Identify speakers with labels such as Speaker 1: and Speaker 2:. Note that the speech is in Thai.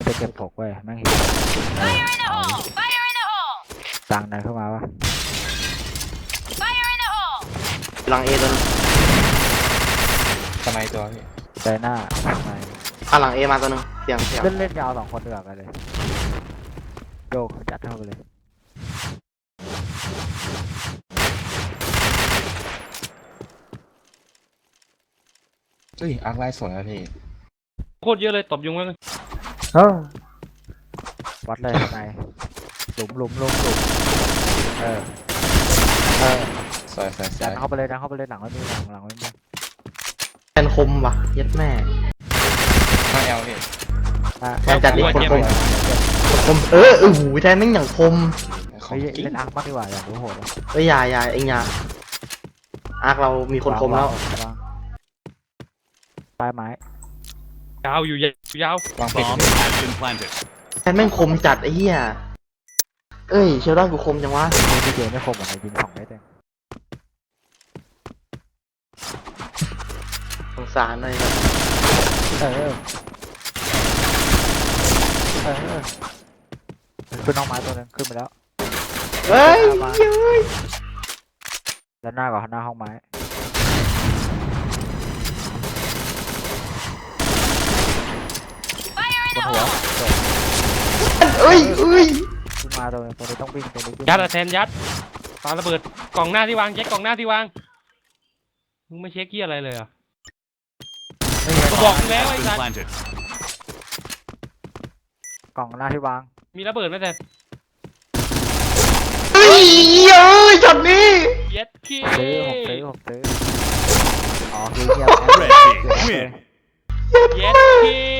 Speaker 1: จะเก็บถกไว้แม่งเห็นตังไหนเข้ามาวะ
Speaker 2: หลังเอตัวนึง
Speaker 3: ทำไมตัวพี่
Speaker 1: ใจหน้าไหน
Speaker 2: หลังเอมาตัวนึงเสียง
Speaker 1: เล่นยาว2 คนเดือดกันเลยโยกจัดเท่าไปเลย
Speaker 3: เฮ้ยอาร์คไลท์สวยอะพี่
Speaker 4: โคตรเยอะเลยตบยุงไว้เลย
Speaker 1: เฮ้ยวัดเลยทำไมหลุมเออ
Speaker 3: สวย
Speaker 1: ดันเข้าไปเลยหลังไม่มีหลังไม่มี
Speaker 2: แทนคมว่ะยัดแม่
Speaker 3: ห้าแอลพี่
Speaker 2: แทนจัดดิคนคมหูแทนแม่งอย่างคม
Speaker 3: ของจริง
Speaker 1: เล่นอาร์คมากดีกว่าอยากรู้โหด
Speaker 2: อย่าเอ็งอย่าอาร์คเรามีคนคมแล้ว
Speaker 1: ปลายไม้
Speaker 4: ยาวอยู่ยาว
Speaker 3: วางผิด
Speaker 2: แทนแม่งคมจัดไอ้เหี้ยเอ้ยเชลดอนกูคมจังวะ
Speaker 1: พี่เจไม่คมอะไรยิง2 เมตรเอง
Speaker 2: สงสารหน่อยครับ
Speaker 1: เออขึ้นน้องไม้ตัวนึงขึ้นไปแล้ว
Speaker 2: เฮ้ย
Speaker 1: แล้วหน้ากับหน้าห้องไม้บนหัว
Speaker 2: เอ้ย
Speaker 1: ขึ้นมาตัวนี้ต้องวิ่งตัวนี้
Speaker 4: ยัดอะแทนยัดปาระเบิดกล่องหน้าที่วางเช็คกล่องหน้าที่วางมึงไม่เช็คเกี้ยอะไรเลยอ่ะกูบอกมึงแล้วไอ้สัตว์
Speaker 1: กล่องหน้าที่วาง
Speaker 4: มีระเบิดไหมแทน
Speaker 2: เฮ้ยช็อตนี้
Speaker 4: เย็ดขี้
Speaker 1: ซื้ออ๋อคือเงียบ
Speaker 4: เย็ดขี้